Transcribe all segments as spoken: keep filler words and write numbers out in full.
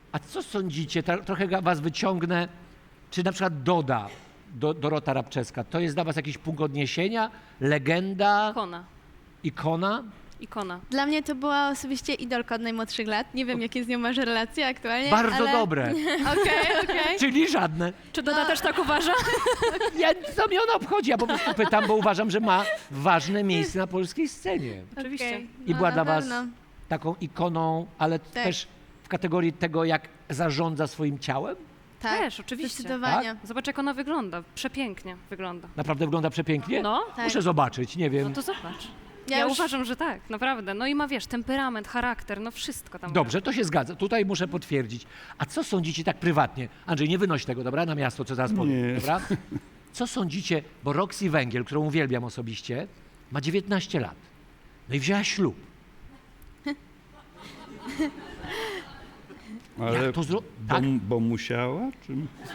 A co sądzicie, ta, trochę ga- was wyciągnę, czy na przykład Doda, do, Dorota Rabczewska, to jest dla was jakiś punkt odniesienia, legenda, Ikona. ikona? Ikona. Dla mnie to była osobiście idolka od najmłodszych lat. Nie wiem, jakie z nią masz relacje aktualnie, Bardzo ale... dobre, Okej, okej. czyli żadne. Czy Doda też tak uważa? Ja, co mnie ona obchodzi? Ja po prostu pytam, bo uważam, że ma ważne miejsce na polskiej scenie. Oczywiście. Okej, I no, była na dla was pewno. taką ikoną, ale też w kategorii tego, jak zarządza swoim ciałem? Tak, Też, oczywiście. zdecydowanie. Zobacz, jak ona wygląda. Przepięknie wygląda. Naprawdę wygląda przepięknie? No, Tak. Muszę zobaczyć, nie wiem. no to zobacz. Ja Ja, już- uważam, że tak, naprawdę. No i ma, wiesz, temperament, charakter, no wszystko tam. Dobrze, to się zgadza. Tutaj muszę potwierdzić. A co sądzicie tak prywatnie? Andrzej, nie wynoś tego, dobra? Na miasto, co zaraz powiem, Nie. dobra? Co sądzicie, bo Roxy Węgiel, którą uwielbiam osobiście, ma dziewiętnaście lat. No i wzięła ślub. Ale Jak to zro... bo, Tak? bo musiała? Czy...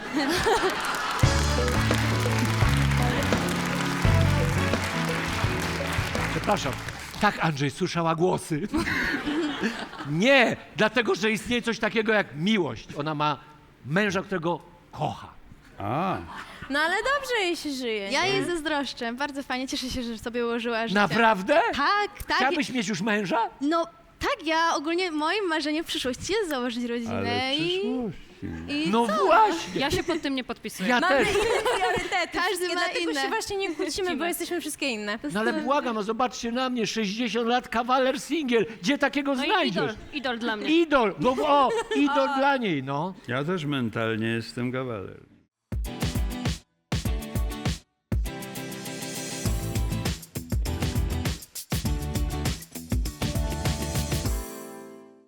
Przepraszam. Tak, Andrzej, słyszała głosy. Nie, dlatego, że istnieje coś takiego jak miłość. Ona ma męża, którego kocha. A, No ale dobrze jej się żyje. Ja nie? jej zazdroszczę. Bardzo fajnie, cieszę się, że sobie ułożyła życie. Naprawdę? Tak, tak. Chciałabyś mieć już męża? No tak, ja ogólnie moim marzeniem w przyszłości jest założyć rodzinę ale w i... przyszłości. i No właśnie. Ja się pod tym nie podpisuję. Ja Mamy też. inne priorytety. Każdy wszystkie, ma dlatego inne. się właśnie nie kłócimy, bo jesteśmy wszystkie inne. No ale błagam, no zobaczcie na mnie, sześćdziesiąt lat, kawaler singiel. Gdzie takiego No i znajdziesz? idol, idol dla mnie. Idol, no o, idol dla niej, no. Ja też mentalnie jestem kawaler.